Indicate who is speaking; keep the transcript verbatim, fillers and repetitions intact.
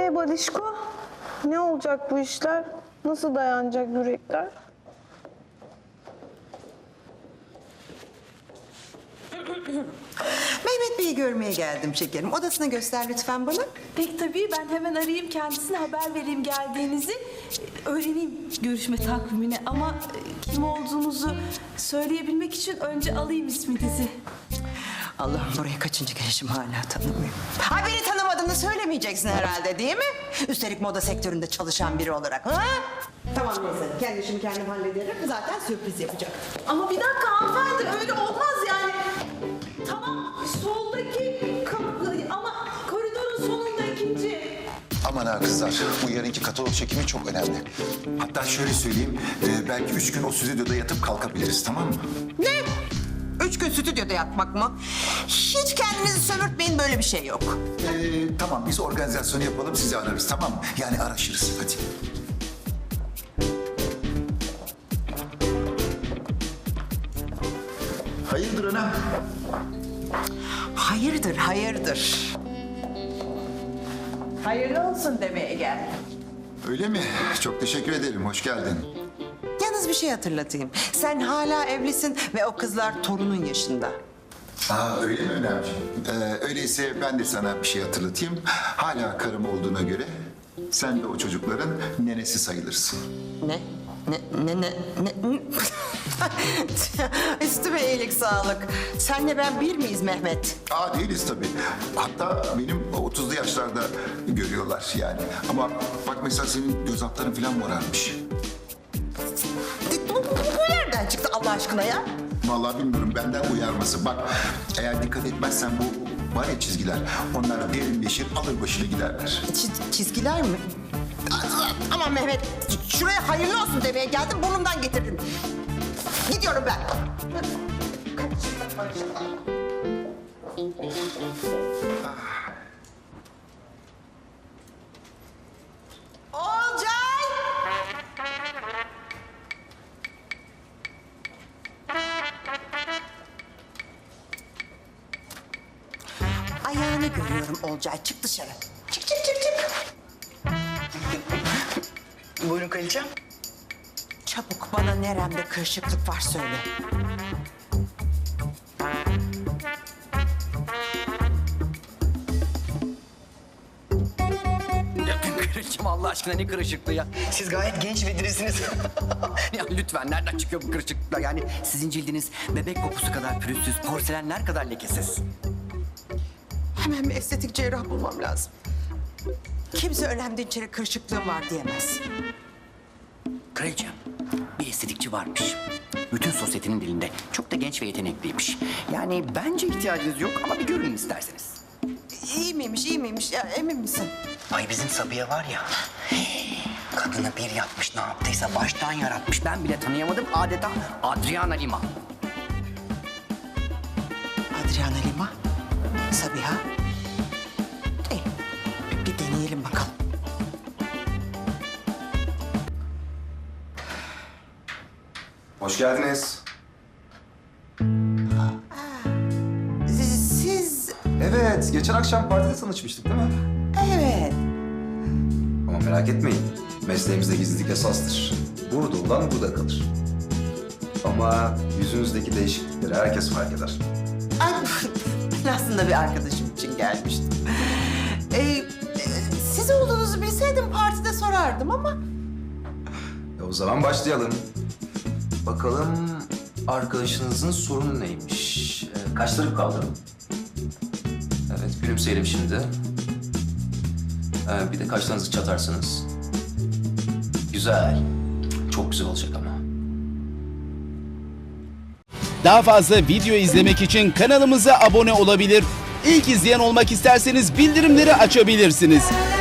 Speaker 1: Ee Balişko, ne olacak bu işler? Nasıl dayanacak yürekler?
Speaker 2: Mehmet Bey'i görmeye geldim şekerim. Odasını göster lütfen bana.
Speaker 3: Peki tabii, ben hemen arayayım kendisine, haber vereyim geldiğinizi. Öğreneyim görüşme takvimini ama e, kim olduğunuzu söyleyebilmek için önce alayım isminizi.
Speaker 2: Allah'ım, buraya kaçıncı gelişim hala tanımıyorum. Ha, beni tanımadığını söylemeyeceksin herhalde, değil mi? Üstelik moda sektöründe çalışan biri olarak. Ha? Tamam neyse, kendi işimi kendim hallederim. Zaten sürpriz yapacak.
Speaker 3: Ama bir dakika hanımefendi, öyle olmaz yani. Tamam, soldaki kapı ama koridorun sonunda ikinci.
Speaker 4: Aman ha kızlar, bu yarınki katalog çekimi çok önemli. Hatta şöyle söyleyeyim, e, belki üç gün o stüdyoda yatıp kalkabiliriz, tamam mı?
Speaker 2: Ne? Üç gün stüdyoda yatmak mı? Hiç kendinizi sömürtmeyin, böyle bir şey yok.
Speaker 4: E, tamam, biz organizasyonu yapalım, sizi ararız, tamam mı? Yani araşırız, hadi. Hayırdır ana?
Speaker 2: Hayırdır, hayırdır. Hayırlı olsun demeye geldim.
Speaker 4: Öyle mi? Çok teşekkür ederim, hoş geldin.
Speaker 2: Yalnız bir şey hatırlatayım. Sen hala evlisin ve o kızlar torunun yaşında.
Speaker 4: Aa, öyle mi Önemciğim? Ee, öyleyse ben de sana bir şey hatırlatayım. Hala karım olduğuna göre sen de o çocukların nenesi sayılırsın.
Speaker 2: Ne? Ne, ne, ne, ne? Üstüme iyilik sağlık. Senle ben bir miyiz Mehmet?
Speaker 4: Aa, değiliz tabii. Hatta benim otuzlu yaşlarda görüyorlar yani. Ama bak mesela senin göz altların falan morarmış.
Speaker 2: Bu, bu, bu nereden çıktı Allah aşkına ya?
Speaker 4: Vallahi bilmiyorum, benden uyarması. Bak, eğer dikkat etmezsen bu var ya çizgiler, onlar derinleşir, alır başını giderler.
Speaker 2: Çiz- çizgiler mi? Aman Mehmet, şuraya hayırlı olsun demeye geldim, burnumdan getirdin. Gidiyorum ben. Olcay! Ayağını görüyorum Olcay, çık dışarı. Çık çık çık çık.
Speaker 5: Buyurun kraliçem.
Speaker 2: Çabuk bana neremde kırışıklık var söyle.
Speaker 5: Kraliçem Allah aşkına ne kırışıklığı ya. Siz gayet genç ve dirisiniz. Ya lütfen, nereden çıkıyor bu kırışıklıklar? Yani sizin cildiniz bebek kokusu kadar pürüzsüz, porselenler kadar lekesiz.
Speaker 2: Hemen bir estetik cerrah bulmam lazım. Kimse önemli içeri kırışıklığım var diyemez.
Speaker 5: Kraliçem, bir estetikçi varmış. Bütün sosyetenin dilinde. Çok da genç ve yetenekliymiş. Yani bence ihtiyacınız yok ama bir görün isterseniz.
Speaker 2: İyi miymiş, iyi miymiş? Ya, emin misin?
Speaker 5: Ay bizim Sabiha var ya, kadını bir yapmış, ne yaptıysa baştan yaratmış. Ben bile tanıyamadım, adeta Adriana Lima.
Speaker 2: Adriana Lima, Sabiha. İyi, bir deneyelim bakalım.
Speaker 6: Hoş geldiniz.
Speaker 2: Siz,
Speaker 6: Evet, geçen akşam partide tanışmıştık değil mi?
Speaker 2: evet.
Speaker 6: Ama merak etmeyin, mesleğimizde gizlilik esastır. Burada olan burada kalır. Ama yüzünüzdeki değişiklikleri herkes fark eder.
Speaker 2: Ay, ben aslında bir arkadaşım için gelmiştim. Ee, e, siz olduğunuzu bilseydim partide sorardım ama...
Speaker 6: E o zaman başlayalım. Bakalım arkadaşınızın sorunu neymiş? E, kaşları kaldırın. Evet, gülümseyelim şimdi. E, bir de kaşlarınızı çatarsınız. Güzel. Çok güzel olacak ama.
Speaker 7: Daha fazla video izlemek için kanalımıza abone olabilir. İlk izleyen olmak isterseniz bildirimleri açabilirsiniz.